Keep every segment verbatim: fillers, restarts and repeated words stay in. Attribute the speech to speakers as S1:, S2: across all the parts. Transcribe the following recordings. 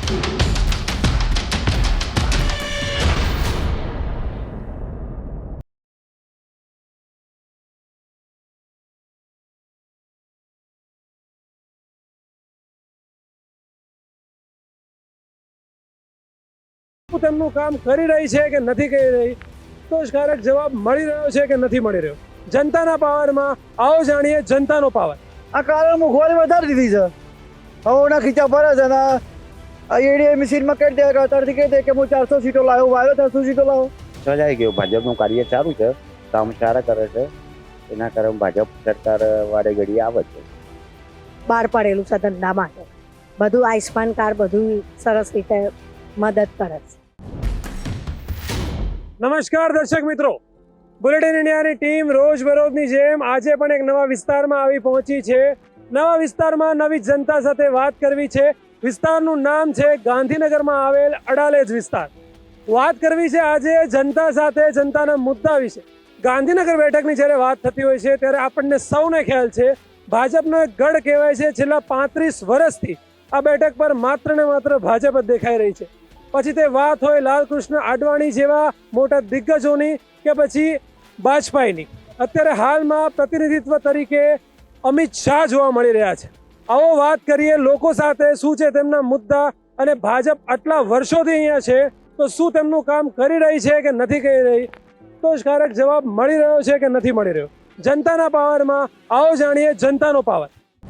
S1: તેમનું કામ કરી રહી છે કે નથી કરી રહી, સંતોષકારક જવાબ મળી રહ્યો છે કે નથી મળી રહ્યો. જનતાના પાવરમાં આવો જાણીએ જનતાનો પાવર.
S2: આ કારણ મોંઘવારી વધારી દીધી છે. હવોના ખીચા ભરે છે ને એડીએ મશીનમાં કરી દે અત્યારથી કહી દે કે હું ચારસો સીટો લાવ્યો વાવ્યો ચારસો સીટો લાવો.
S3: સજાઈ ગયું. ભાજપનું કાર્ય સારું છે, કામ સારા કરે છે, એના કારણે ભાજપ સરકાર વારે ઘડી આવે છે.
S4: બહાર પડેલું છે ધંધા માટે, બધું આયુષ્માન કાર્ડ બધું સરસ રીતે મદદ કરે છે.
S1: નમસ્કાર દર્શક મિત્રો, બુલેટિન ઇન્ડિયાની ટીમ રોજબરોજની જેમ આજે પણ એક નવા વિસ્તારમાં આવી પહોંચી છે. નવા વિસ્તારમાં નવી જનતા સાથે વાત કરવી છે. વિસ્તારનું નામ છે ગાંધીનગરમાં આવેલ અડાલેજ વિસ્તાર. વાત કરવી છે આજે જનતા સાથે, જનતાના મુદ્દા વિશે. ગાંધીનગર બેઠકની જ્યારે વાત થતી હોય છે ત્યારે આપણને સૌને ખ્યાલ છે ભાજપનો એક ગઢ કહેવાય છે. છેલ્લા પાંત્રીસ વર્ષથી આ બેઠક પર માત્ર ને માત્ર ભાજપ જ દેખાઈ રહી છે. પછી તે વાત હોય લાલકૃષ્ણ આડવાણી જેવા મોટા દિગ્ગજોની કે પછી વાજપેયીની. અત્યારે હાલમાં પ્રતિનિધિત્વ તરીકે અમિત શાહ જોવા મળી રહ્યા છે. આવો વાત કરીએ લોકો સાથે, શું છે તેમના મુદ્દા, અને ભાજપ આટલા વર્ષોથી અહીંયા છે તો શું તેમનું કામ કરી રહી છે કે નથી કરી રહી, સંતોષકારક જવાબ મળી રહ્યો છે કે નથી મળી રહ્યો. જનતાના પાવરમાં આવો જાણીએ જનતાનો પાવર.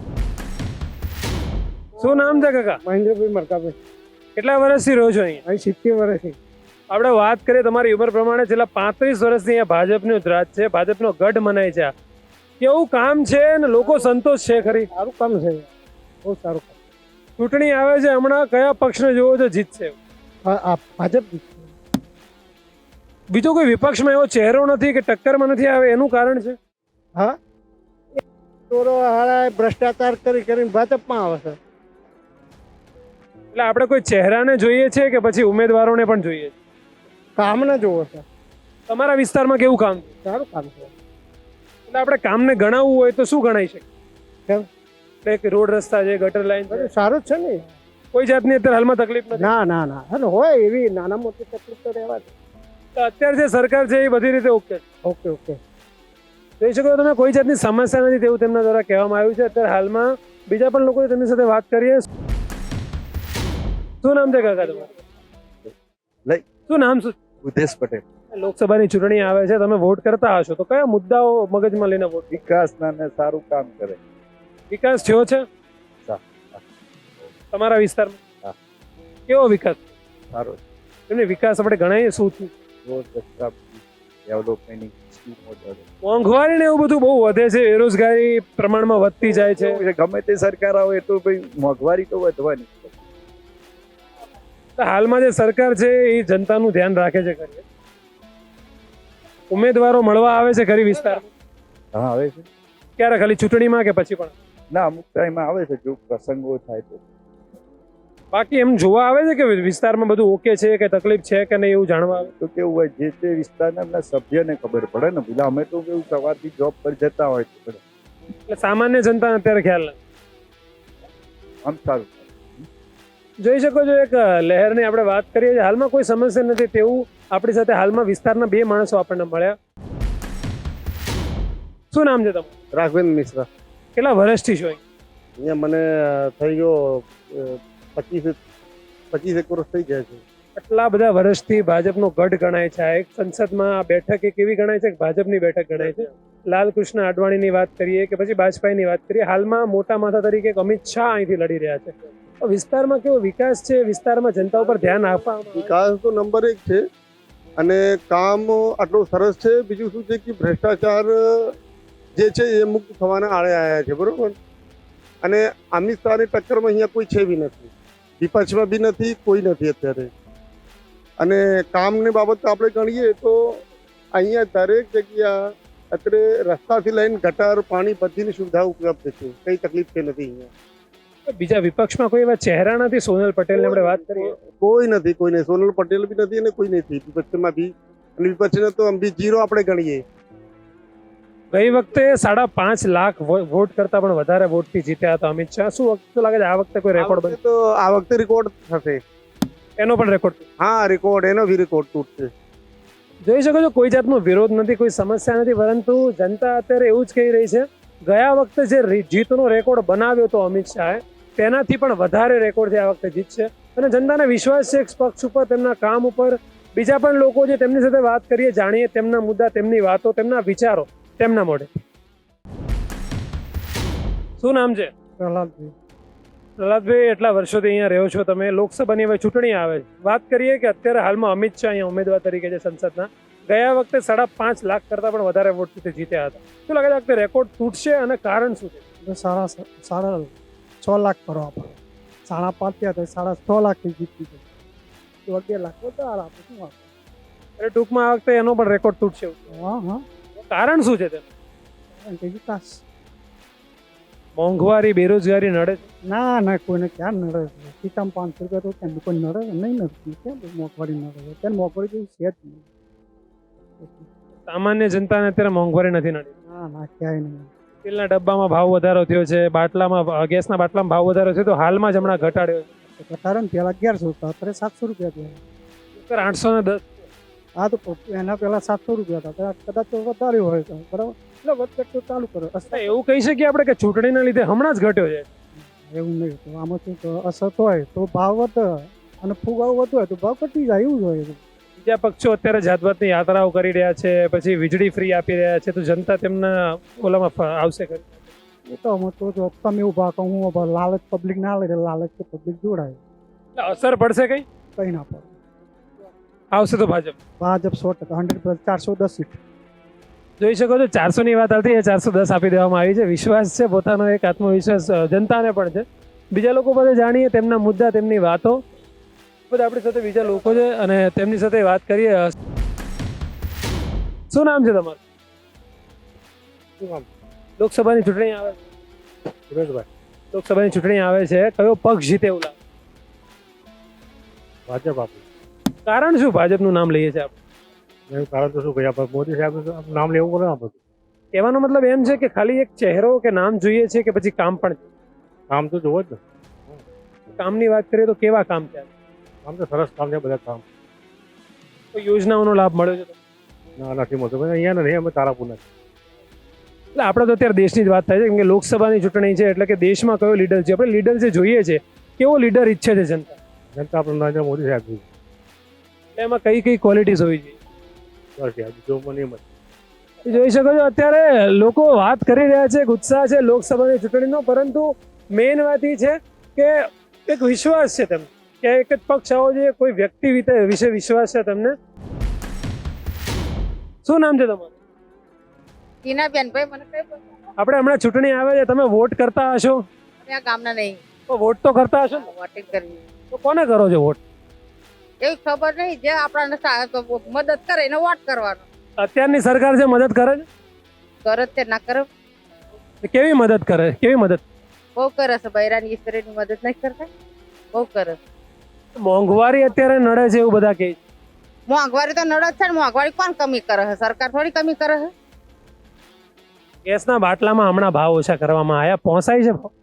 S1: શું નામ છે કાકા?
S2: મહેન્દ્રભાઈ મરકાભાઈ.
S1: કેટલા વર્ષથી રહો છો અહીંયા?
S2: અહીં સિત્તેર વર્ષથી.
S1: આપણે વાત કરીએ તમારી ઉંમર પ્રમાણે, છેલ્લા પાંત્રીસ વર્ષથી અહીંયા ભાજપનું જ રાજ છે, ભાજપનો ગઢ મનાય છે. કેવું કામ છે અને લોકો સંતોષ છે ખરી?
S2: સારું કામ છે, બહુ સારું કામ.
S1: ચૂંટણી આવે છે હમણાં, કયા પક્ષને જોવો છો જીતશે?
S2: હા, ભાજપ.
S1: બીજો કોઈ વિપક્ષમાં એવો ચહેરો નથી કે ટક્કરમાં નથી આવે, એનું કારણ છે?
S2: હા, ચોરો હારા ભ્રષ્ટાચાર કરી કરીને ભાજપમાં આવે છે.
S1: એટલે આપણે કોઈ ચહેરાને જોઈએ છે કે પછી ઉમેદવારોને પણ જોઈએ છે?
S2: કામને જોવો છે.
S1: તમારા વિસ્તારમાં કેવું કામ છે?
S2: સારું કામ છે.
S1: એટલે આપણે કામને ગણાવવું હોય તો શું ગણાઈ શકે?
S2: કેમ?
S1: એટલે રોડ રસ્તા છે, ગટર લાઈન છે,
S2: સારું જ છે ને.
S1: કોઈ જાતની અત્યારે હાલમાં તકલીફ નથી?
S2: ના ના ના અને હોય એવી નાના મોટી તકલીફ તો રહેવા દે.
S1: તો અત્યારે જે સરકાર છે એ બધી રીતે ઓકે છે?
S2: Okay okay.
S1: જોઈ શકો તમે, કોઈ જાતની સમસ્યા નથી તેવું તેમના દ્વારા કહેવામાં આવ્યું છે. અત્યારે હાલમાં બીજા પણ લોકો તેમની સાથે વાત કરીએ. શું નામ છે કાકા તમારું?
S3: લઈ
S1: શું નામ? શું?
S3: ઉદેશ પટેલ.
S1: લોકસભાની ચૂંટણી આવે છે, તમે વોટ કરતા હશો તો કયા મુદ્દાઓ મગજમાં લઈને વોટ?
S3: વિકાસના ને સારું કામ કરે.
S1: વિકાસ થયો છે તમારા વિસ્તારમાં? કેવો વિકાસ?
S3: સારો.
S1: એમને વિકાસ આપણે ગણાવીએ શું થયું?
S3: રોડ રસ્તા, ડેવલપમેન્ટની સ્કીમો,
S1: મોંઘવારી ને એવું બધું બહુ વધે છે, બેરોજગારી પ્રમાણમાં વધતી જાય છે.
S3: ગમે તે સરકાર આવે તો ભાઈ મોંઘવારી તો વધવાની.
S1: હાલમાં જે સરકાર છે એ જનતાનું ધ્યાન રાખે છે ખરી? ઉમેદવારો મળવા આવે છે ખરી વિસ્તારમાં?
S3: હા, આવે છે.
S1: ક્યારે? ખાલી ચૂંટણીમાં કે પછી પણ?
S3: ના, અમુક ટાઈમમાં આવે છે જો પ્રસંગો થાય તો.
S1: બાકી એમ જોવા આવે છે કે વિસ્તારમાં બધું ઓકે છે કે તકલીફ છે કે નહીં એવું જાણવા આવે?
S3: તો કેવું હોય, જે તે વિસ્તારના એમના સભ્યને ખબર પડે ને. પેલા અમે તો કેવું સવારથી જોબ પર જતા હોય તો
S1: એટલે સામાન્ય જનતાને અત્યારે ખ્યાલ નથી.
S3: આમ સારું.
S1: જોઈ શકો છો, એક લહેરની આપણે વાત કરીએ છીએ. હાલમાં કોઈ સમસ્યા નથી તેવું આપણી સાથે હાલમાં વિસ્તારના બે માણસો આપણને મળ્યા. શું નામ છે તમારું?
S2: રાઘવેન્દ્ર મિશ્રા.
S1: કેટલા વર્ષથી છો
S2: અહીંયા? મને થઈ ગયો પચીસ પચીસ એક વર્ષ થઈ ગયા છે.
S1: આટલા બધા વર્ષથી ભાજપનો ગઢ ગણાય છે. આ એક સંસદમાં આ બેઠક એક એવી ગણાય છે કે ભાજપની બેઠક ગણાય છે. લાલકૃષ્ણ આડવાણીની વાત કરીએ કે પછી વાજપેયીની વાત કરીએ, હાલમાં મોટા માથા તરીકે અમિત શાહ અહીંથી લડી રહ્યા છે. વિસ્તારમાં કેવો વિકાસ છે? વિસ્તારમાં જનતા ઉપર ધ્યાન આપવા?
S5: વિકાસ તો નંબર એક છે અને કામ આટલું સરસ છે. બીજું શું છે કે ભ્રષ્ટાચાર જે છે એ મુક્ત થવાના આડે આવ્યા છે, બરોબર. અને અમિત શાહની ટક્કરમાં અહીંયા કોઈ છે બી નથી, વિપક્ષમાં બી નથી, કોઈ નથી અત્યારે. અને કામની બાબત આપણે ગણીએ તો અહીંયા દરેક જગ્યા અત્યારે રસ્તાથી લઈને ગટર, પાણી બધીની સુવિધા ઉપલબ્ધ છે. કઈ તકલીફ છે નથી અહીંયા.
S1: બીજા વિપક્ષમાં કોઈ એવા ચહેરા નથી? સોનલ પટેલની આપણે વાત કરીએ,
S5: કોઈ નથી, કોઈ નહીં. સોનલ પટેલ બી નથી અને કોઈ નથી વિપક્ષમાં બી. અને વિપક્ષને તો આમ બી જીરો આપણે ગણીએ.
S1: ગઈ વખતે સાડા પાંચ લાખ વો- વોટ કરતા પણ વધારે વોટથી જીત્યા હતા અમિત શાહ. શું વખતે લાગે છે આ વખતે કોઈ
S5: આ
S1: રેકોર્ડ
S5: વખતે તો આ વખતે રેકોર્ડ થશે.
S1: બને એનો પણ રેકોર્ડ
S5: હા રેકોર્ડ એનો બી રેકોર્ડ તૂટશે.
S1: જોઈ શકો છો, કોઈ જાતનો વિરોધ નથી, કોઈ સમસ્યા નથી, પરંતુ જનતા અત્યારે એવું જ કહી રહી છે ગયા વખતે જે રી- જીતનો રેકોર્ડ બનાવ્યો હતો અમિત શાહે તેનાથી પણ વધારે રેકોર્ડ આ વખતે જીતશે. અને જનતાને વિશ્વાસ છે પક્ષ ઉપર, તેમના કામ ઉપર. બીજા પણ લોકો છે તેમની સાથે વાત કરીએ, જાણીએ તેમના મુદ્દા, તેમની વાતો, તેમના વિચારો તેમના મોઢે. શું નામ છે?
S2: પ્રહલાદભાઈ.
S1: પ્રહલાદભાઈ, એટલા વર્ષોથી અહીંયા રહ્યો છો તમે, લોકસભાની હવે ચૂંટણી આવે છે. વાત કરીએ કે અત્યારે હાલમાં અમિત શાહ અહીંયા ઉમેદવાર તરીકે છે સંસદના. ગયા વખતે સાડા પાંચ લાખ કરતા પણ વધારે વોટથી જીત્યા હતા. શું લાગે છે આ વખતે રેકોર્ડ તૂટશે અને કારણ શું છે?
S2: સાડા સાડા છ લાખ કરવા પડે. સાડા પાંચ થયા તો સાડા છ લાખથી જીતી ગઈ. અગિયાર લાખ વધારે આપે શું આપે?
S1: એટલે ટૂંકમાં આ વખતે એનો પણ રેકોર્ડ તૂટશે એવું.
S2: હા હા
S1: કારણ શું છે તેનું?
S2: કારણ કે વિકાસ.
S1: મોંઘવારી, બેરોજગારી નડે છે?
S2: ના ના કોઈને ક્યાં નડે છે? ખીચામાં પાંચસો રૂપિયા તો કેમ કોઈ નડે છે? નહીં નડતી. કેમ મોંઘવારી નડે છે? ત્યાં મોંઘવારી જેવું છે જ નહીં.
S1: સામાન્ય જનતાને અત્યારે મોંઘવારી નથી નડી.
S2: ના ના ક્યાંય નહીં.
S1: તેલના ડબ્બામાં ભાવ વધારો થયો છે, બાટલામાં ગેસના બાટલામાં ભાવ વધારો છે, તો હાલમાં જ હમણાં ઘટાડ્યો છે.
S2: ઘટાડે ને પહેલાં અગિયારસો હતા, અત્યારે સાતસો રૂપિયા થયા.
S1: અત્યારે આઠસો ને દસ.
S2: હા તો એના પહેલાં સાતસો રૂપિયા હતા, કદાચ તો વધારે હોય તો બરાબર. એટલે વધઘટ તો ચાલુ કરો.
S1: એવું કહી શકીએ આપણે કે ચૂંટણીના લીધે હમણાં જ ઘટ્યો છે.
S2: એવું નહીં તો આમાં શું તો અસર હોય તો ભાવ વધે અને ફુગાવો વધુ હોય તો ભાવ ઘટી જાય, એવું જ હોય.
S1: બીજા પક્ષો અત્યારે જાત જાતની યાત્રાઓ કરી રહ્યા છે, પછી વીજળી ફ્રી આપી રહ્યા છે, તો જનતા તેમના ઓલામાં ફ- આવશે ખરી?
S2: એ તો અમે તો જો તમે ઊભા કહું હું ઊભા, લાલચ પબ્લિક ના લે લાલચ તો પબ્લિક જોડાય.
S1: એટલે અસર પડશે કઈ?
S2: કંઈ ના પડે.
S1: આવશે તો ભાજપ.
S2: ભાજપ સો ટકા હંડ્રેડ પ્લસ ચારસો દસ સીટ.
S1: જોઈ શકો છો, ચારસો ની વાત આવતી, એ ચારસો દસ આપી દેવામાં આવી છે. વિશ્વાસ છે, પોતાનો એક આત્મવિશ્વાસ અ, જનતાને પણ છે. બીજા લોકો પાસે જાણીએ તેમના મુદ્દા, તેમની વાતો. બધા આપણી સાથે બીજા લોકો છે અને તેમની સાથે વાત કરીએ. શું નામ છે તમારું?
S2: શું નામ?
S1: લોકસભાની ચૂંટણી આવે છે.
S2: સુરેશભાઈ.
S1: લોકસભાની ચૂંટણી આવે છે, કયો પક્ષ જીતે એવું લાગે?
S2: ભાજપ આપું.
S1: કારણ શું ભાજપનું નામ લઈએ છીએ આપણે?
S2: એનું કારણ તો શું ભાઈ આપણે મોદી સાહેબ નામ લેવું પડે આપણે.
S1: કહેવાનો મતલબ એમ છે કે ખાલી એક ચહેરો કે નામ જોઈએ છે કે પછી કામ પણ છે?
S2: કામ તો જોવો જ ને.
S1: કામની વાત કરીએ તો કેવા કામ છે?
S2: કામ તો સરસ કામ છે બધા કામ.
S1: કોઈ યોજનાઓનો લાભ મળ્યો છે તમને?
S2: ના નથી મળતો ભાઈ, અહીંયા નથી, અમે તારાપુરના.
S1: એટલે આપણે તો અત્યારે દેશની જ વાત થાય છે, કેમ કે લોકસભાની ચૂંટણી છે, એટલે કે દેશમાં કયો લીડર છે, આપણે લીડર જે જોઈએ છે, કેવો લીડર ઈચ્છે છે જનતા?
S2: જનતા આપણે નરેન્દ્ર મોદી સાહેબ જોઈએ.
S1: એટલે એમાં કઈ કઈ ક્વોલિટીઝ હોવી જોઈએ?
S2: બસ યાર જો મને એમ જ.
S1: એ જોઈ શકો છો, અત્યારે લોકો વાત કરી રહ્યા છે, ઉત્સાહ છે લોકસભાની ચૂંટણીનો, પરંતુ મેઇન વાત એ છે કે એક વિશ્વાસ છે તેમને કે એક જ પક્ષ આવો જોઈએ, કોઈ વ્યક્તિ વિતે- વિશે વિશ્વાસ છે તમને. શું નામ છે તમારું?
S6: ટીનાબેન ભાઈ મને કઈ બોલતા
S1: આપણે હમણાં ચૂંટણી આવે છે, તમે વોટ કરતા હશો?
S6: અમે આ ગામના નહીં
S1: તો વોટ તો કરતા હશો ને?
S6: વોટિંગ કરવી
S1: તો કોને કરો છો વોટ?
S6: એવી ખબર નહીં, જે આપણને સા- તો મદદ કરે એને વોટ કરવાનો.
S1: અત્યારની સરકાર જે મદદ કરે
S6: કરે તે ના કરે,
S1: છે, કેવી મદદ કરે? કેવી મદદ?
S6: બહુ કરે છે. બૈરાની ઈશ્વરીની મદદ નહીં કરતા, બહુ કરે છે.
S1: મોંઘવારી અત્યારે નડે છે એવું બધા કહે છે.
S6: મોંઘવારી તો નડે જ છે ને, મોંઘવારી કોણ કમી કરે છે? સરકાર થોડી કમી કરે છે.
S1: ગેસના બાટલામાં હમણાં ભાવ ઓછા કરવામાં આવ્યા, પહોંચાય છે ભાવ?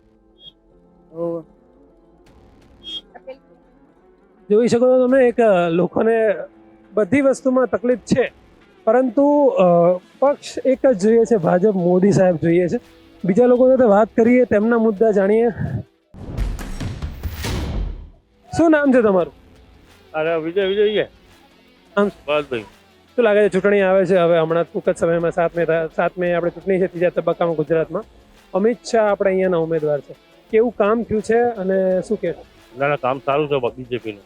S1: જોઈ શકો છો તમે, એક અ, લોકોને બધી વસ્તુમાં તકલીફ છે, પરંતુ અ, પક્ષ એક જ જોઈએ છે, ભાજપ, મોદી સાહેબ જોઈએ છે. બીજા લોકો સાથે વાત કરીએ, તેમના મુદ્દા જાણીએ. શું નામ છે તમારું?
S2: અરે વિજય વિજય છે.
S1: આમ
S2: બસ ભાઈ.
S1: શું લાગે છે, ચૂંટણી આવે છે હવે હમણાં ટૂંક જ સમયમાં, સાત મે સાત મે આપણે ચૂંટણી છે, ત્રીજા તબક્કામાં ગુજરાતમાં. અમિત શાહ આપણે અહીંયાના ઉમેદવાર છે, કેવું કામ થયું છે અને શું કે
S2: ના ના કામ સારું છે બીજેપીનું.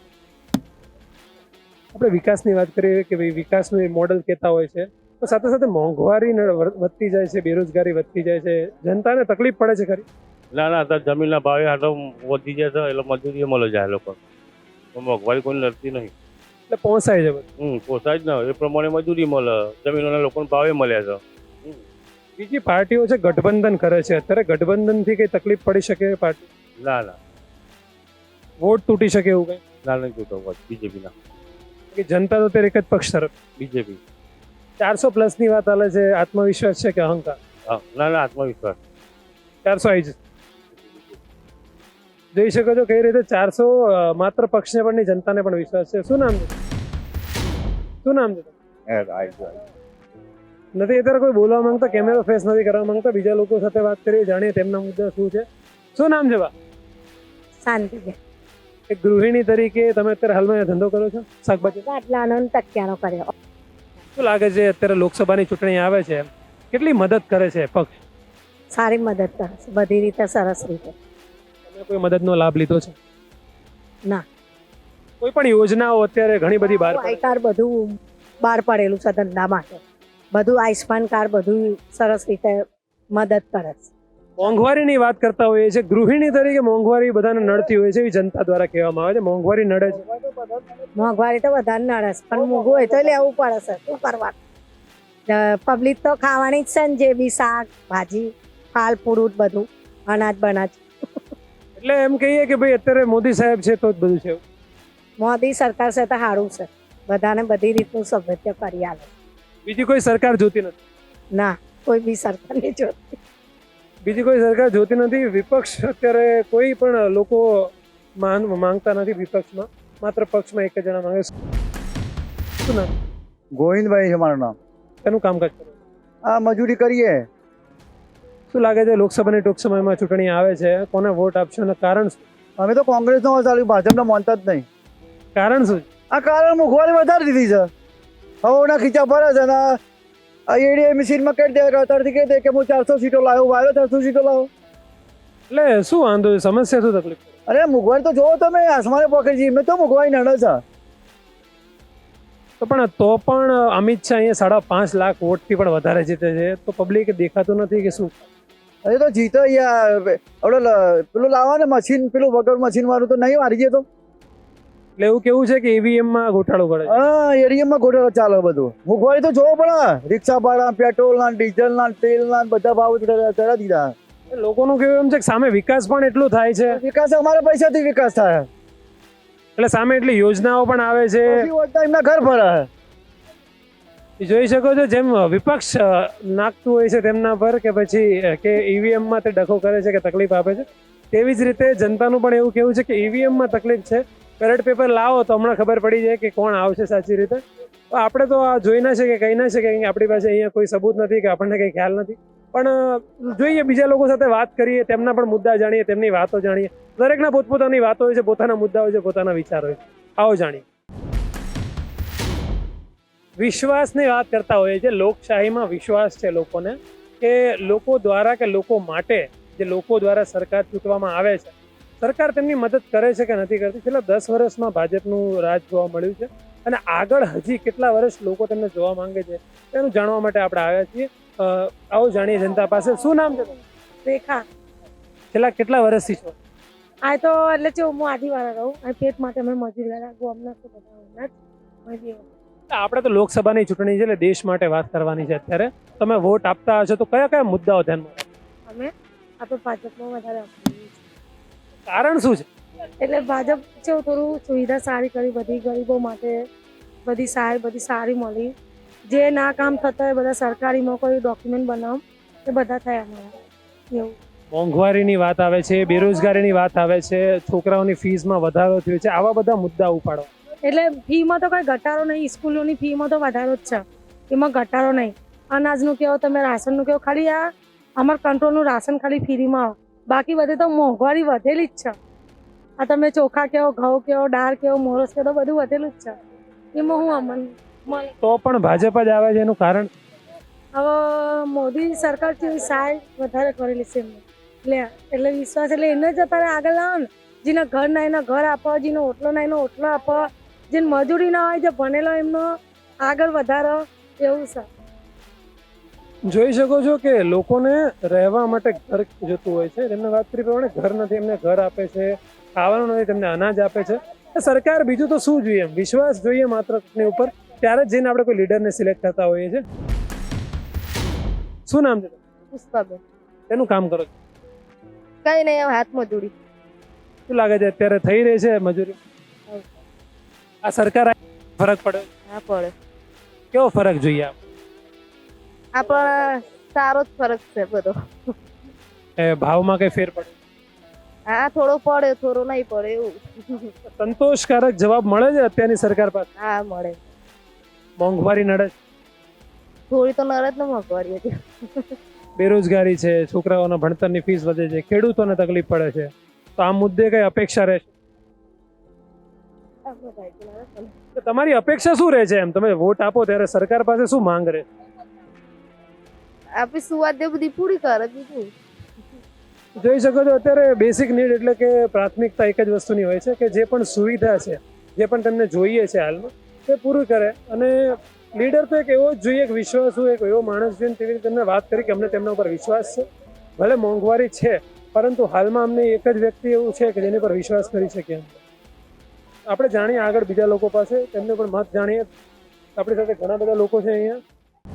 S1: આપણે વિકાસની વાત કરીએ કે ભાઈ વિકાસનું મોડલ કહેતા હોય છે, તો સાથે સાથે મોંઘવારી ન- વધતી જાય છે, બેરોજગારી વધતી જાય છે, જનતાને તકલીફ પડે છે ખરી?
S2: ના ના અત્યારે જમીનના ભાવે આટલો વધી જાય છે એટલે મજૂરી મળે જાય લોકો. મોંઘવારી કોઈ લડતી નહીં.
S1: એટલે પહોંચાય છે બધું.
S2: હમ પોસાય જ ને, એ પ્રમાણે મજૂરી મળે, જમીનોના લોકોને ભાવે મળ્યા છે.
S1: બીજી પાર્ટીઓ છે ગઠબંધન કરે છે, અત્યારે ગઠબંધનથી કઈ તકલીફ પડી શકે પાર્ટી?
S2: ના ના
S1: વોટ તૂટી શકે એવું કઈ?
S2: ના નહીં જોતો બીજેપીના.
S1: કે જનતા તો અત્યારે એક જ પક્ષ તરફ.
S2: બીજેપી
S1: ચારસો પ્લસ ની વાત ચાલે છે, આત્મવિશ્વાસ છે કે અહંકાર?
S3: હા, ના ના આત્મવિશ્વાસ.
S1: ચારસો આવી જશે. જોઈ શકો છો કઈ રીતે ચારસો માત્ર પક્ષને પણ નહીં, જનતાને પણ વિશ્વાસ છે. શું નામ છે? શું નામ છે?
S3: એ, આવી ગયો, આવી
S1: નથી અત્યારે કોઈ બોલવા માંગતા, કેમેરો ફેસ નથી કરવા માંગતા. બીજા લોકો સાથે વાત કરીએ, જાણીએ તેમના મુદ્દા શું છે. શું નામ છે બા?
S4: શાંતિ છે.
S1: એક ગૃહિણી તરીકે તમે અત્યારે હાલમાં ધંધો કરો છો શાકભાજી?
S4: આટલાનો ને તકિયાનો કર્યો.
S1: શું લાગે છે અત્યારે લોકસભાની ચૂંટણી આવે છે, કેટલી મદદ કરે છે પક્ષ?
S4: સારી મદદ કરે છે, બધી રીતે સરસ રીતે.
S1: તમે કોઈ મદદનો લાભ લીધો છે?
S4: ના.
S1: કોઈ પણ યોજનાઓ અત્યારે ઘણી બધી બહાર
S4: આઈ કાર્ડ બધું બહાર પડેલું છે ધંધા માટે. બધું આયુષ્માન કાર્ડ બધું સરસ રીતે મદદ કરે છે.
S1: મોંઘવારીની વાત કરતા હોઈએ છે, ગૃહિણી તરીકે મોંઘવારી બધાને નડતી હોય છે એવી જનતા દ્વારા કહેવામાં આવે છે. મોંઘવારી નડે છે?
S4: મોંઘવારી તો વધારે નડે છે, પણ મોંઘું હોય તો લેવું પડે છે. શું કરવાનું? પબ્લિક તો ખાવાની જ છે ને, જે બી શાક ભાજી ફાલ ફ્રૂટ બધું અનાજ બનાજ.
S1: એટલે એમ કહીએ કે ભાઈ અત્યારે મોદી સાહેબ છે તો જ બધું છે.
S4: મોદી સરકાર છે તો સારું છે, બધાને બધી રીતનું સભ્યત્વ કરી આલે.
S1: બીજી કોઈ સરકાર જોતી નથી?
S4: ના, કોઈ બી સરકાર નહીં જોતી.
S1: બીજી કોઈ સરકાર જોતી નથી. વિપક્ષ અત્યારે કોઈ પણ લોકો માન માંગતા નથી વિપક્ષમાં, માત્ર પક્ષમાં એક જ જણા માંગે. શું નામ?
S2: ગોવિંદભાઈ છે મારું નામ.
S1: એનું કામકાજ કરો?
S2: આ મજૂરી કરીએ.
S1: શું લાગે છે લોકસભાની ટૂંક સમયમાં ચૂંટણી આવે છે, કોને વોટ આપશો અને કારણ શું?
S2: અમે તો કોંગ્રેસનો ચાલ્યું, ભાજપને માનતા જ નહીં.
S1: કારણ શું?
S2: આ કારણ મોંઘવારી વધારી દીધી છે. હવે ઓના ખીચા ભરે છે ને આ એડીએ મશીનમાં કરી દે, અત્યારથી કહી દે કે હું ચારસો સીટો લાવ્યો, વાવ્યો ચારસો સીટો લાવો.
S1: એટલે શું વાંધો છે? સમસ્યા શું તકલીફ?
S2: અરે મોંઘવારી તો જોવો તમે, આસમાને પકડી છે. મેં તો મોંઘવારી નડે છે.
S1: તો પણ તો પણ અમિત શાહ અહીંયા સાડા પાંચ લાખ વોટથી પણ વધારે જીતે છે, તો પબ્લિક દેખાતું નથી કે શું?
S2: અરે તો જીતો યાર, આપણે પેલું લાવવા ને મશીન, પેલું વગર મશીન વાળું તો નહીં મારી ગયો તો.
S1: એટલે એવું કેવું છે કે ઈવીએમ માં ઘોટાળો કરે છે?
S2: હા, એડીએમમાં ઘોટાળો ચાલે બધું. મોંઘવારી તો જોવો પડે. રિક્ષા ભાડા, પેટ્રોલ ના, ડીઝલ ના, તેલ ના બધા ભાવ ચડા દીધા.
S1: લોકોનું કેવું એમ છે કે સામે વિકાસ પણ એટલું થાય છે,
S2: વિકાસ અમારા પૈસાથી વિકાસ થાય.
S1: એટલે સામે એટલી યોજનાઓ પણ આવે છે.
S2: પછી વધતા એમના ઘર ભરે.
S1: જોઈ શકો છો જેમ વિપક્ષ નાખતું હોય છે તેમના પર કે પછી કે ઈવીએમ માં તે ડખો કરે છે કે તકલીફ આપે છે, તેવી જ રીતે જનતાનું પણ એવું કેવું છે કે ઈવીએમ માં તકલીફ છે. બેલેટ પેપર લાવો તો હમણાં ખબર પડી જાય કે કોણ આવશે સાચી રીતે. તો આપણે તો આ જોઈ ના શકીએ, કહી ના શકીએ કે આપણી પાસે અહીંયા કોઈ સબૂત નથી કે આપણને કંઈ ખ્યાલ નથી. પણ જોઈએ, બીજા લોકો સાથે વાત કરીએ, તેમના પણ મુદ્દા જાણીએ, તેમની વાતો જાણીએ. દરેકના પોતપોતાની વાતો હોય છે, પોતાના મુદ્દા હોય છે, પોતાના વિચાર હોય છે. આવો જાણીએ. વિશ્વાસની વાત કરતા હોઈએ છીએ. લોકશાહીમાં વિશ્વાસ છે લોકોને કે લોકો દ્વારા કે લોકો માટે જે લોકો દ્વારા સરકાર ચૂંટવામાં આવે છે, સરકાર તેમની મદદ કરે છે કે નથી કરતી. છેલ્લા દસ વર્ષમાં ભાજપનું રાજ જોવા મળ્યું છે અને આગળ હજી કેટલા વર્ષ લોકો તેમને જોવા માંગે છે તેનું જાણવા માટે આપણે આવ્યા છીએ. આવો જાણીએ જનતા પાસે. શું નામ છે?
S4: રેખા.
S1: છેલ્લા કેટલા વર્ષથી છો?
S4: આ તો એટલે છે હું આદિવાળા રહું, આ પેટ માટે અમે મજૂરી વાળા ગોમના તો બધા
S1: આપણે તો લોકસભાની ચૂંટણી છે એટલે દેશ માટે વાત કરવાની છે. અત્યારે તમે વોટ આપતા હશો તો કયા કયા મુદ્દાઓ ધ્યાનમાં?
S4: અમે આપણે ભાજપમાં વધારે આપીએ છીએ.
S1: કારણ શું છે?
S4: એટલે ભાજપ છે થોડું સુવિધા સારી કરી, બધી ગરીબો માટે બધી સહાય બધી સારી મળી. જે ના કામ થતા હોય બધા સરકારીમાં કોઈ ડોક્યુમેન્ટ બનાવ એ બધા થયા અમારા. એવું
S1: મોંઘવારીની વાત આવે છે, બેરોજગારીની વાત આવે છે, છોકરાઓની ફીસમાં વધારો થયો છે, આવા બધા મુદ્દા ઉપાડો.
S4: એટલે ફીમાં તો કોઈ ઘટાડો નહીં, સ્કૂલોની ફીમાં તો વધારો જ છે, એમાં ઘટાડો નહીં. અનાજનું કહો તમે, રાશનનું કહો, ખાલી આ અમાર કંટ્રોલનું રાશન ખાલી ફ્રીમાં આવે, બાકી બધે તો મોંઘવારી વધેલી જ છે. આ તમે ચોખા કહો, ઘઉં કહો, દાળ કહો, મોરસ કહો, તો બધું વધેલું જ છે. એમાં હું અમન મળે
S1: તો પણ ભાજપ જ આવે છે, એનું કારણ?
S4: હવે મોદી સરકાર છે સહાય વધારે કરેલી છે એમને, એટલે એટલે વિશ્વાસ એટલે એને જ અત્યારે આગળ લાવો ને. જેના ઘર ના એના ઘર આપો, જેનો ઓટલો ના એનો ઓટલો આપો, જેને મજૂરી ના હોય જે ભણેલો એમનો આગળ વધારો, એવું છે.
S1: જોઈ શકો છો કે લોકોને રહેવા માટે ઘર જોતું હોય છે. તેમને વાત કરી પ્રમાણે ઘર નથી, એમને ઘર આપે છે. ખાવાનું નથી, તેમને અનાજ આપે છે. સરકાર બીજું તો શું જોઈએ? વિશ્વાસ જોઈએ માત્ર એની ઉપર, ત્યારે જ જઈને આપણે કોઈ લીડરને સિલેક્ટ થતા હોઈએ છીએ. શું નામ છે?
S6: પુષ્પાબેન.
S1: એનું કામ કરો છો?
S6: કઈ નહીં, હાથ મજૂરી.
S1: શું લાગે છે અત્યારે થઈ રહી છે મજૂરી? આ સરકાર ફરક પડે?
S6: હા પડે.
S1: કેવો ફરક જોઈએ?
S6: આપણા સારો જ ફરક છે બધો.
S1: એ ભાવમાં કઈ ફેર પડે?
S6: હા, થોડો પડે, થોડો નહીં પડે એવું.
S1: સંતોષકારક જવાબ મળે છે અત્યારની સરકાર પાસે?
S6: હા, મળે.
S1: મોંઘવારી નડે છે,
S6: થોડી તો નરજ ને મોંઘવારી હતી.
S1: બેરોજગારી છે, છોકરાઓના ભણતરની ફીસ વધે છે, ખેડૂતોને તકલીફ પડે છે, તો આ મુદ્દે કઈ અપેક્ષા રહેશે? તો તમારી અપેક્ષા શું રહે છે? એમ તમે વોટ આપો ત્યારે સરકાર પાસે શું માંગ રહે?
S6: આપણી સુવાદ એ બધી પૂરી કરે બીજું.
S1: જોઈ શકો છો અત્યારે બેસિક નીડ એટલે કે પ્રાથમિકતા એક જ વસ્તુની હોય છે કે જે પણ સુવિધા છે, જે પણ તમને જોઈએ છે હાલમાં, તે પૂરું કરે. અને લીડર તો એક એવો જ જોઈએ, એક વિશ્વાસુ, એક એવો માણસ જોઈએ. તેવી રીતે તમને વાત કરી કે અમને તેમના ઉપર વિશ્વાસ છે. ભલે મોંઘવારી છે, પરંતુ હાલમાં અમને એક જ વ્યક્તિ એવું છે કે જેની પર વિશ્વાસ કરી શકીએ. આપણે જાણીએ આગળ બીજા લોકો પાસે, તેમને પણ મત જાણીએ. આપણી સાથે ઘણા બધા લોકો છે અહીંયા.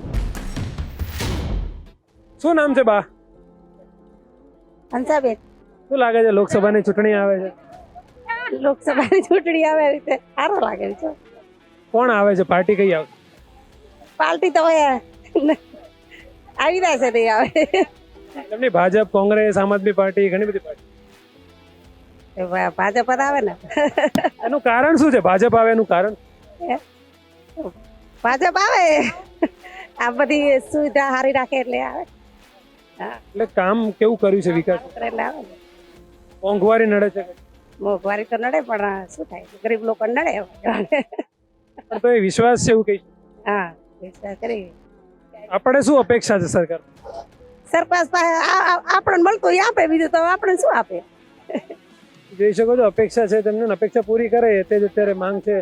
S1: શું નામ છે બા?
S4: હંસાબેન.
S1: શું લાગે છે લોકસભાની ચૂંટણી આવે છે?
S4: લોકસભાની ચૂંટણી આવે રીતે સારો લાગે છે.
S1: કોણ આવે છે? પાર્ટી કઈ આવે?
S4: પાર્ટી તો હવે આવી રહ્યા છે નહીં આવે.
S1: એમની ભાજપ, કોંગ્રેસ, આમ આદમી પાર્ટી, ઘણી બધી પાર્ટી.
S4: ભાજપ જ આવે ને.
S1: એનું કારણ શું છે? ભાજપ આવે એનું કારણ?
S4: ભાજપ આવે, આ બધી સુવિધા સારી રાખે એટલે આવે.
S1: એટલે કામ કેવું કર્યું છે વિકાસ?
S4: એટલે આવે ને.
S1: મોંઘવારી નડે છે?
S4: મોંઘવારી તો નડે પણ શું થાય, ગરીબ લોકો નડે.
S1: પણ તો એ વિશ્વાસ છે એવું કઈ?
S4: હા, વિશ્વાસ કરી.
S1: આપણે શું અપેક્ષા છે સરકાર?
S4: સરકાર આપણને મળતું એ આપે, બીજું તો આપણે શું આપે.
S1: જોઈ શકો છો અપેક્ષા છે તેમને, અપેક્ષા પૂરી કરે તે જ અત્યારે માંગ છે.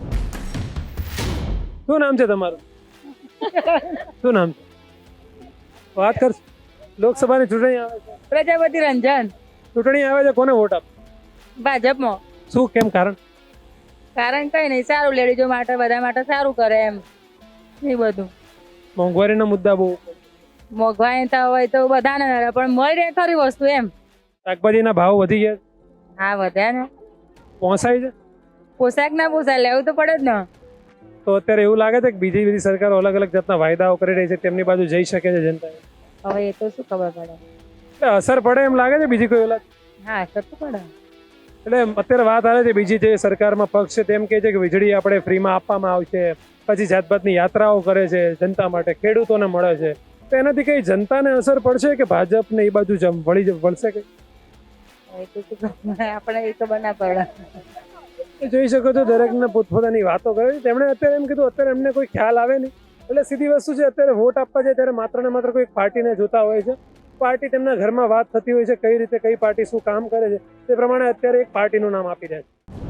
S1: શું નામ છે તમારું? શું નામ છે? વાત કર. લોકસભાની ચૂંટણી આવે છે.
S7: પ્રજાપતિ રંજન.
S1: ચૂંટણી આવે છે, કોને વોટ આપ?
S7: ભાજપમાં.
S1: શું, કેમ, કારણ?
S7: કારણ કઈ નહીં, સારું લેડીઝો માટે, બધા માટે સારું કરે એમ. એ બધું
S1: મોંઘવારીના મુદ્દા બહુ.
S7: મોંઘવારી તો હોય તો બધાને નડે, પણ મળી રહે ખરી વસ્તુ એમ.
S1: શાકભાજીના ભાવ વધી ગયા?
S7: હા, વધ્યા ને.
S1: પહોંચાય છે?
S7: પોશાક ના પોસાય, લેવું તો પડે જ ને.
S1: તો અત્યારે એવું લાગે છે કે બીજી બધી સરકારો અલગ અલગ જાતના વાયદાઓ કરી રહી છે, તેમની બાજુ જઈ શકે છે જનતા?
S7: હવે એ તો શું ખબર પડે.
S1: એટલે અસર પડે એમ લાગે છે બીજી કોઈ?
S7: હા, અસર તો પડે.
S1: એટલે અત્યારે વાત આવે છે બીજી જે સરકારમાં પક્ષ છે તેમ કહે છે કે વીજળી આપણે ફ્રીમાં આપવામાં આવશે, પછી જાત જાતની યાત્રાઓ કરે છે જનતા માટે, ખેડૂતોને મળે છે. તો એનાથી કઈ જનતાને અસર પડશે કે ભાજપને એ બાજુ જમ વળી વળશે કે?
S7: એ તો શું ખબર, આપણે એ ખબર ના પડે.
S1: જોઈ શકો છો દરેકને પોતપોતાની વાતો કરે છે. તેમણે અત્યારે એમ કીધું અત્યારે એમને કોઈ ખ્યાલ આવે નહીં. એટલે સીધી વસ્તુ છે, અત્યારે વોટ આપવા જાય ત્યારે માત્ર ને માત્ર કોઈ પાર્ટીને જોતા હોય છે. પાર્ટી તેમના ઘરમાં વાત થતી હોય છે, કઈ રીતે કઈ પાર્ટી શું કામ કરે છે તે પ્રમાણે અત્યારે એક પાર્ટીનું નામ આપી દે છે.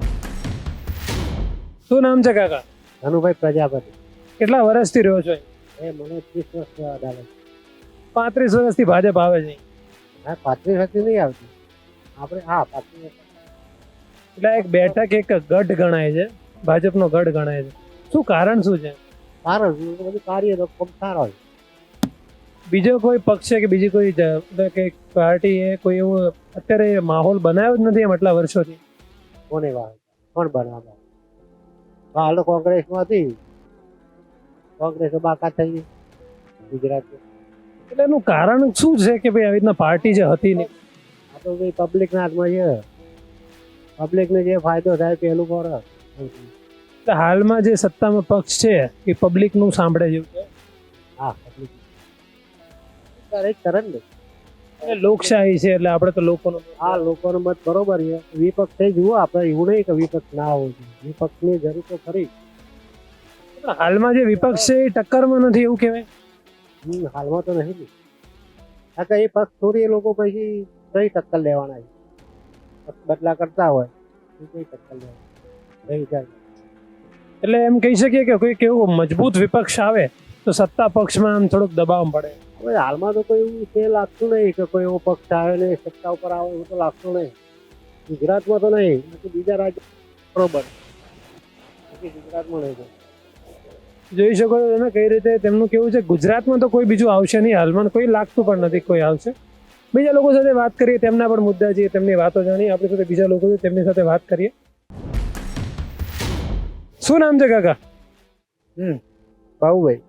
S1: શું નામ છે કાકા?
S2: ધનુભાઈ પ્રજાપતિ.
S1: કેટલા વર્ષથી રહ્યો છો?
S2: એ મને ત્રીસ વર્ષ અડાલે.
S1: પાંત્રીસ વર્ષથી ભાજપ આવે છે?
S2: હા, પાંત્રીસ વર્ષથી નહીં આવતી આપણે. હા, પાંત્રીસ.
S1: એટલે એક બેઠક, એક ગઢ ગણાય છે, ભાજપનો ગઢ ગણાય છે. શું કારણ શું છે?
S2: સારો બધું કાર્ય તો ખૂબ સારો હોય.
S1: બીજો કોઈ પક્ષ છે કે બીજી કોઈ કે પાર્ટી એ કોઈ એવો અત્યારે માહોલ બનાવ્યો જ નથી એમ આટલા વર્ષોથી?
S2: કોને વાત કોણ બનાવવા? હાલ કોંગ્રેસમાં હતી, કોંગ્રેસ બાકાત થઈ ગઈ ગુજરાતમાં.
S1: એટલે એનું કારણ શું છે કે ભાઈ આવી રીતના પાર્ટી જે હતી નહીં?
S2: આ તો ભાઈ પબ્લિકના હાથમાં છે. પબ્લિકને જે ફાયદો થાય પેલું કરે.
S1: એટલે હાલમાં જે સત્તામાં પક્ષ છે એ પબ્લિકનું સાંભળે જેવું છે.
S2: હા, પબ્લિક કરે જ કરે ને.
S1: એટલે લોકશાહી છે એટલે આપણે તો લોકોનો.
S2: આ લોકોનો મત બરોબર છે. વિપક્ષ થઈ જુઓ આપણે, એવું નહીં કે વિપક્ષ ના હોવું જોઈએ. વિપક્ષની જરૂર તો ખરી.
S1: હાલમાં જે વિપક્ષ છે એ ટક્કરમાં નથી એવું કહેવાય?
S2: હમ, હાલમાં તો નહીં. આ તો એ પક્ષ છોડી એ લોકો પછી કઈ ટક્કર લેવાના છે? બદલા કરતા હોય કઈ ટક્કર લેવાના?
S1: એટલે એમ કહી શકીએ કે કોઈ કેવું મજબૂત વિપક્ષ આવે તો સત્તા પક્ષમાં આમ થોડુંક દબાવ પડે.
S2: હવે હાલમાં તો કોઈ એવું છે લાગતું નહીં કે કોઈ એવો પક્ષ આવે ને સત્તા ઉપર આવે એવું તો લાગતું નહીં. ગુજરાતમાં તો નહીં, બીજા રાજ્ય બરોબર, ગુજરાતમાં નહીં.
S1: જોઈ શકો છો તમે કઈ રીતે તેમનું કેવું છે. ગુજરાતમાં તો કોઈ બીજું આવશે નહીં હાલમાં, કોઈ લાગતું પણ નથી કોઈ આવશે. બીજા લોકો સાથે વાત કરીએ, તેમના પણ મુદ્દા છે, તેમની વાતો જાણીએ. આપણી સાથે બીજા લોકો છે તેમની સાથે વાત કરીએ. શું નામ છે કાકા?
S2: હમ ભાઉભાઈ.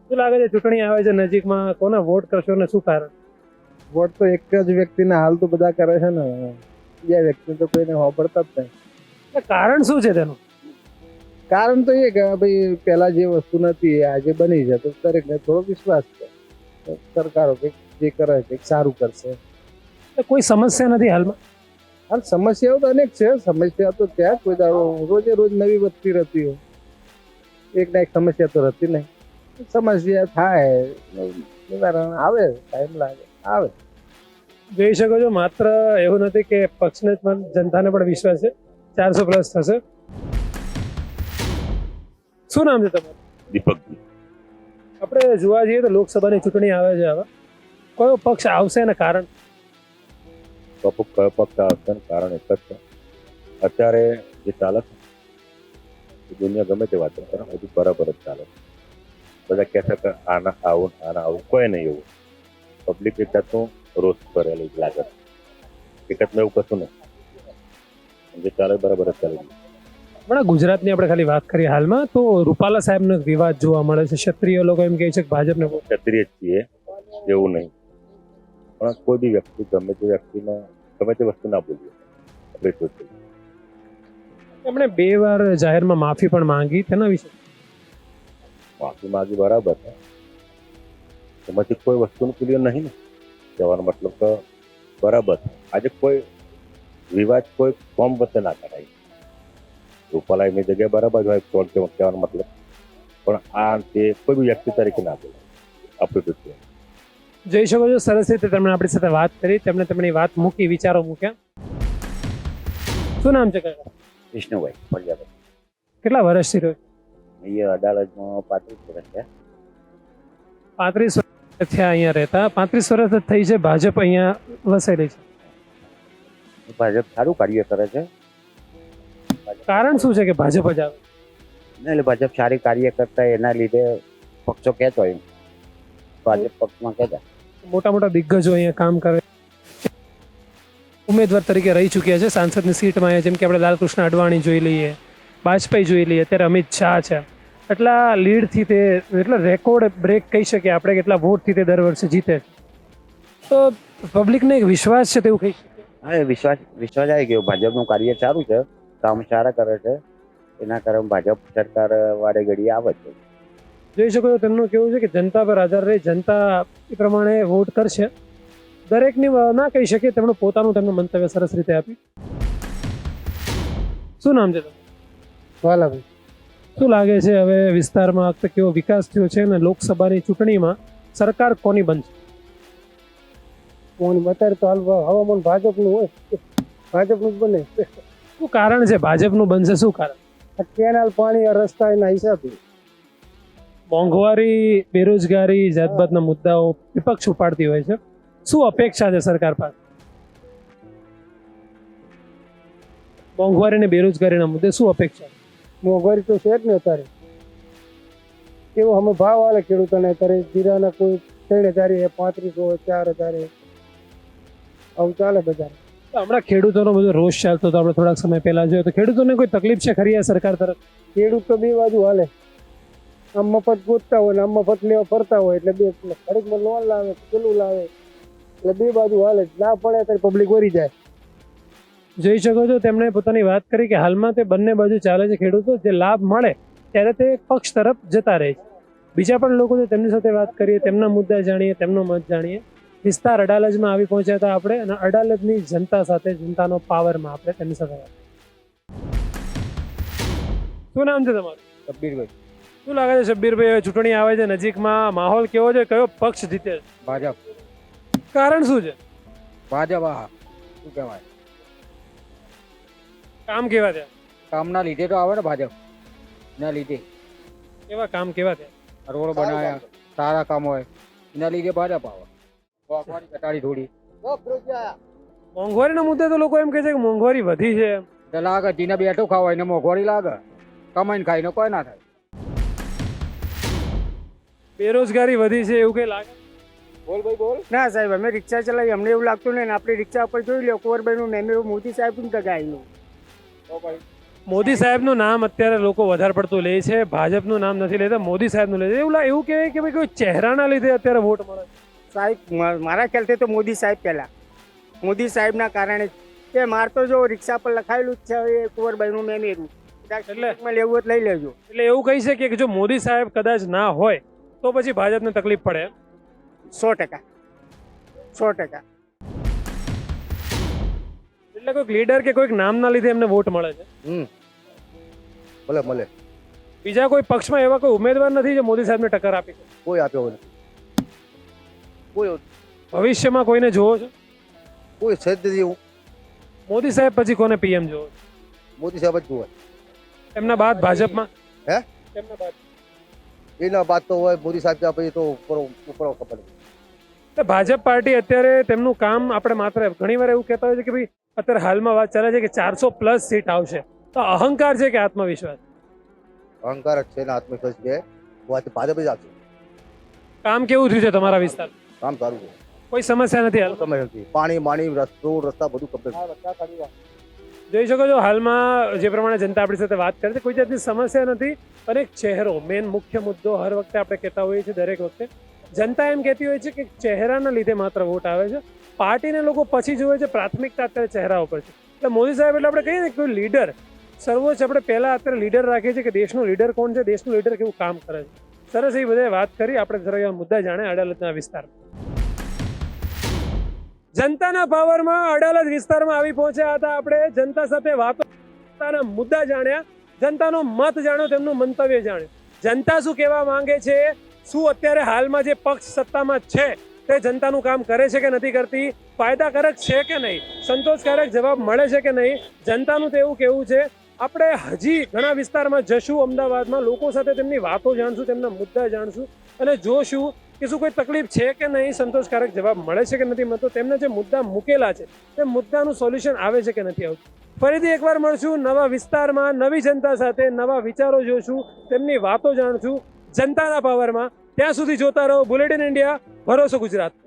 S1: શું લાગે છે ચૂંટણી આવે છે નજીકમાં, કોને વોટ કરશો ને શું કારણ?
S2: વોટ તો એક જ વ્યક્તિને હાલ તો બધા કરે છે ને, બીજા વ્યક્તિ તો કોઈને વાપરતા જ નહીં.
S1: એટલે કારણ શું છે તેનું?
S2: કારણ તો એ કે ભાઈ પહેલા જે વસ્તુ નથી એ આજે બની છે, તો દરેકને થોડો વિશ્વાસ છે તો સરકારો કંઈક જે કરે છે કંઈક સારું કરશે.
S1: એટલે કોઈ સમસ્યા નથી હાલમાં?
S2: હાલ સમસ્યાઓ તો અનેક છે, સમસ્યા તો ત્યાં કોઈ દાડો રોજે રોજ નવી વધતી રહેતી હોય, એક ના એક સમસ્યા તો રહેતી નહીં. સમસ્યા થાય, નિવારણ આવે, ટાઈમ લાગે, આવે.
S1: જોઈ શકો છો, માત્ર એવું નથી કે પક્ષને જ પણ જનતાને પણ વિશ્વાસ છે. ચારસો પ્લસ થશે. શું નામ છે તમારું?
S8: દીપકજી.
S1: આપણે જોવા જઈએ તો લોકસભાની ચૂંટણી આવે છે હવે, કયો પક્ષ આવશે અને કારણ?
S8: ટોપિક કયો પક્ષ આવશે ને કારણ એક જ છે, અત્યારે જે ચાલે છે એ દુનિયા ગમે તે વાતો કરે બધું બરાબર જ ચાલે છે. બધા કહેશે કે આના આવું આના આવું, કોઈ નહીં એવું. પબ્લિક એક જાતનું રોષ કરેલું જ લાગે છે, હકીકતમાં એવું કશું નહીં. જે ચાલે બરાબર જ ચાલે છે.
S1: હમણાં ગુજરાતની આપણે ખાલી વાત કરીએ હાલમાં, તો રૂપાલા સાહેબનો એક વિવાદ જોવા મળે છે. ક્ષત્રિય લોકો એમ કહે છે કે ભાજપને વોટ.
S8: ક્ષત્રિય જ છીએ એવું નહીં, પણ કોઈ બી વ્યક્તિ ગમે તે વ્યક્તિને ગમે તે વસ્તુ ના બોલીએ આપણે સોચીએ.
S1: એમણે બે વાર જાહેરમાં માફી પણ માંગી, તેના વિશે
S8: માફી માંગી બરાબર છે, એમાંથી કોઈ વસ્તુનું ક્લિયર નહીં ને, કહેવાનો મતલબ કે બરાબર છે. આજે કોઈ વિવાદ કોઈ કોમ વચ્ચે ના કરાય. રૂપાલા એમની જગ્યાએ બરાબર હોય તો કહેવાનો મતલબ, પણ આ તે કોઈ બી વ્યક્તિ તરીકે ના બોલે આપણે તો.
S1: જોઈ શકો છો, સરસ રીતે તેમણે આપણી સાથે વાત કરી, તેમણે તેમની વાત મૂકી, વિચારો મૂક્યા. શું નામ છે કાકા?
S3: વિષ્ણુભાઈ ફળિયા.
S1: કેટલા વર્ષથી રહ્યો?
S3: અહીંયા અડાલજમાં પાંત્રીસ વર્ષ છે.
S1: પાંત્રીસ વર્ષ થયા અહીંયા રહેતા. પાંત્રીસ વર્ષ જ થઈ છે ભાજપ અહીંયા વસેલી છે.
S3: ભાજપ સારું કાર્ય કરે છે.
S1: કારણ શું છે કે ભાજપ જ આવે?
S3: ના, એટલે ભાજપ સારી કાર્ય કરતા એના લીધે પક્ષો કહેતો હોય, ભાજપ પક્ષમાં કહેતા.
S1: મોટા મોટા દિગ્ગજો અહીંયા કામ કરે, ઉમેદવાર તરીકે રહી ચૂક્યા છે સાંસદની સીટમાં. જેમ કે આપણે લાલકૃષ્ણ અડવાણી જોઈ લઈએ, વાજપેયી જોઈ લઈએ, અત્યારે અમિત શાહ છે. એટલા લીડથી તે, એટલે રેકોર્ડ બ્રેક કહી શકીએ આપણે, કેટલા વોટથી તે દર વર્ષે જીતે છે. તો પબ્લિકને એક વિશ્વાસ છે તેવું કહી શકીએ.
S3: હા, એ વિશ્વાસ વિશ્વાસ આવી ગયો. ભાજપનું કાર્ય સારું છે, કામ સારા કરે છે, એના કારણે ભાજપ સરકાર વારે ઘડીએ આવે છે.
S1: જોઈ શકો છો, તેમનું કેવું છે કે જનતા પર આધાર રહી, જનતા એ પ્રમાણે વોટ કરશે. દરેકની ના કહી શકીએ, તેમનું પોતાનું તેમનું મંતવ્ય સરસ રીતે આપ્યું. શું નામ છે તમારું?
S2: વાલાભાઈ,
S1: શું લાગે છે હવે વિસ્તારમાં આ વખતે કેવો વિકાસ થયો છે અને લોકસભાની ચૂંટણીમાં સરકાર કોની બનશે?
S2: કોણ અત્યારે તો હાલ હવામાન ભાજપનું હોય, ભાજપનું જ બને.
S1: શું કારણ છે ભાજપનું બનશે? શું કારણ?
S2: આ કેનાલ, પાણી, આ રસ્તા એના હિસાબે.
S1: મોંઘવારી, બેરોજગારી, જાતભાતના મુદ્દાઓ વિપક્ષ ઉપાડતી હોય છે. શું અપેક્ષા છે સરકાર પાસે? મોંઘવારી અને બેરોજગારીના મુદ્દે શું અપેક્ષા?
S2: મોંઘવારી તો છે જ ને અત્યારે. કેવો અમે ભાવ આલે ખેડૂતોને અત્યારે, જીરાના કોઈ ત્રણ હજાર, પાંત્રીસો, ચાર હજાર, આવું ચાલે બજાર.
S1: હમણાં ખેડૂતોનો બધો રોષ ચાલતો હતો, આપણે થોડાક સમય પહેલા જોયો તો ખેડૂતોને કોઈ તકલીફ છે ખરી આ સરકાર તરફ?
S2: ખેડૂત તો બે બાજુ હાલે, આમ મફત ગોતતા હોય ને આમ મફત લેવા ફરતા હોય, એટલે બે ખરીદમાં લોન લાવે, પેલું લાવે, એટલે બે બાજુ હાલે. ના પડે ત્યારે પબ્લિક વરી જાય.
S1: જોઈ શકો છો, તેમણે પોતાની વાત કરી કે હાલમાં તે બંને બાજુ ચાલે છે. ખેડૂતો જે લાભ મળે ત્યારે તે પક્ષ તરફ જતા રહે છે. બીજા પણ લોકો છે, તેમની સાથે વાત કરીએ, તેમના મુદ્દા જાણીએ, તેમનો મત જાણીએ. વિસ્તાર અડાલજમાં આવી પહોંચ્યા હતા આપણે, અને અડાલજની જનતા સાથે, જનતાનો પાવરમાં આપણે તેમની સાથે વાત. શું નામ છે તમારું?
S2: શબ્બીરભાઈ.
S1: શું લાગે છે શબ્બીરભાઈ, હવે ચૂંટણી આવે છે નજીકમાં, માહોલ કેવો છે, કયો પક્ષ જીતે છે?
S2: ભાજપ.
S1: કારણ શું છે?
S2: ભાજપ. આ શું કહેવાય,
S1: કામ કેવા થયા?
S2: કામના લીધે તો આવે ને, ભાજપ ના લીધે.
S1: કેવા કામ કેવા થયા?
S2: રોડ બનાવ્યા, સારા કામ હોય, એના લીધે ભાજપ આવે. ઘટાડી થોડી.
S1: મોંઘવારીના મુદ્દે તો લોકો એમ કહે છે કે મોંઘવારી વધી છે.
S2: એટલે લાગે જીને બેઠું ખાવાય ને મોંઘવારી લાગે, કમાઈને ખાઈને કોઈ ના થાય.
S1: બેરોજગારી વધી છે એવું કઈ લાગે?
S2: બોલ ભાઈ બોલ. ના સાહેબ, અમે રિક્ષા ચલાવી, અમને એવું લાગતું નહીં ને. આપણી રિક્ષા ઉપર જોઈ લો, કુંવરભાઈનું ને એમ એવું મોદી સાહેબ ને ટકાયેલું.
S1: મોદી સાહેબનું નામ અત્યારે લોકો વધારે પડતું લે છે, ભાજપનું નામ નથી લેતા, મોદી સાહેબનું લે છે. એવું લા- એવું કહેવાય કે ભાઈ કોઈ ચહેરાના લીધે અત્યારે વોટ મળે છે.
S9: સાહેબ મા- મારા ખ્યાલથી તો મોદી સાહેબ પહેલા મોદી સાહેબના કારણે જ. કે માર તો જો રિક્ષા પર લખાયેલું જ છે હવે કુંવરબાઈનું મેમેરું
S1: એટલે?
S9: એટલે લેવું હોય તો લઈ લેજો.
S1: એટલે એવું કહી શકીએ કે જો મોદી સાહેબ કદાચ ના હોય તો પછી ભાજપને તકલીફ પડે એમ?
S9: સો ટકા સો ટકા
S1: એટલે કોઈક લીડર કે કોઈક નામના લીધે એમને વોટ મળે છે.
S2: હમ ભલે મળે.
S1: બીજા કોઈ પક્ષમાં એવા કોઈ ઉમેદવાર નથી જે મોદી સાહેબને ટક્કર આપી શકે?
S2: કોઈ આપ્યો નથી. કોઈ
S1: ભવિષ્યમાં કોઈને જોવો છો?
S2: કોઈ છે જ નથી એવું.
S1: મોદી સાહેબ પછી કોને પીએમ જોવો છો?
S2: મોદી સાહેબ જ જોવે.
S1: એમના બાદ ભાજપમાં?
S2: હે?
S1: એમના બાદ
S2: એના બાદ તો હોય મોદી સાહેબ ત્યાં પછી તો ઉપર ઉપર ખબર નથી.
S1: એટલે ભાજપ પાર્ટી અત્યારે તેમનું કામ આપણે માત્ર ઘણી વાર એવું કહેતા હોય છે કે ભાઈ અત્યારે હાલમાં વાત ચાલે છે કે ચારસો પ્લસ સીટ આવશે, તો અહંકાર છે કે આત્મવિશ્વાસ?
S2: અહંકાર જ છે ને આત્મવિશ્વાસ છે. ભાજપ જ આપશે.
S1: કામ કેવું થયું છે તમારા વિસ્તાર?
S2: કામ સારું છે.
S1: કોઈ સમસ્યા નથી હાલ?
S2: સમય નથી. પાણી માણી રસ્તો રસ્તા બધું કમ્પ્લીટ.
S1: જોઈ શકો છો હાલમાં જે પ્રમાણે જનતા આપણી સાથે વાત કરે છે, કોઈ જાતની સમસ્યા નથી. અને એક ચહેરો મેન મુખ્ય મુદ્દો હર વખતે આપણે કહેતા હોઈએ છીએ, દરેક વખતે જનતા એમ કહેતી હોય છે કે ચહેરાના લીધે માત્ર વોટ આવે છે, પાર્ટીને લોકો પછી જોવે છે, પ્રાથમિકતા અત્યારે ચહેરા ઉપર છે. એટલે મોદી સાહેબ એટલે આપણે કહીએ ને કોઈ લીડર સર્વોચ્ચ, આપણે પહેલા અત્યારે લીડર રાખીએ છીએ કે દેશનું લીડર કોણ છે, દેશનું લીડર કેવું કામ કરે છે. સરસ એ બધે વાત કરી આપણે, જરા એવા મુદ્દા જાણે અડાલતના વિસ્તાર. જનતાના પાવરમાં અડાલત વિસ્તારમાં આવી પહોંચ્યા હતા આપણે. જનતા સાથે વાતો, જનતાના મુદ્દા જાણ્યા, જનતાનો મત જાણ્યો, તેમનું મંતવ્ય જાણ્યું. જનતા શું કહેવા માંગે છે, શું અત્યારે હાલમાં જે પક્ષ સત્તામાં છે તે જનતાનું કામ કરે છે કે નથી કરતી, ફાયદાકારક છે કે નહીં, સંતોષકારક જવાબ મળે છે કે નહીં, જનતાનું તો એવું કહેવું છે. આપણે હજી ઘણા વિસ્તારમાં જશું, અમદાવાદમાં લોકો સાથે તેમની વાતો જાણશું, તેમના મુદ્દા જાણશું અને જોશું કે શું કોઈ તકલીફ છે કે નહીં, સંતોષકારક જવાબ મળે છે કે નથી મળતો, તેમના જે મુદ્દા મૂકેલા છે તે મુદ્દાનું સોલ્યુશન આવે છે કે નથી આવતું. ફરીથી એકવાર મળશું નવા વિસ્તારમાં, નવી જનતા સાથે, નવા વિચારો જોશું, તેમની વાતો જાણશું જનતાના પાવરમાં. ત્યાં સુધી જોતા રહો બુલેટિન ઇન્ડિયા, ભરોસો ગુજરાત.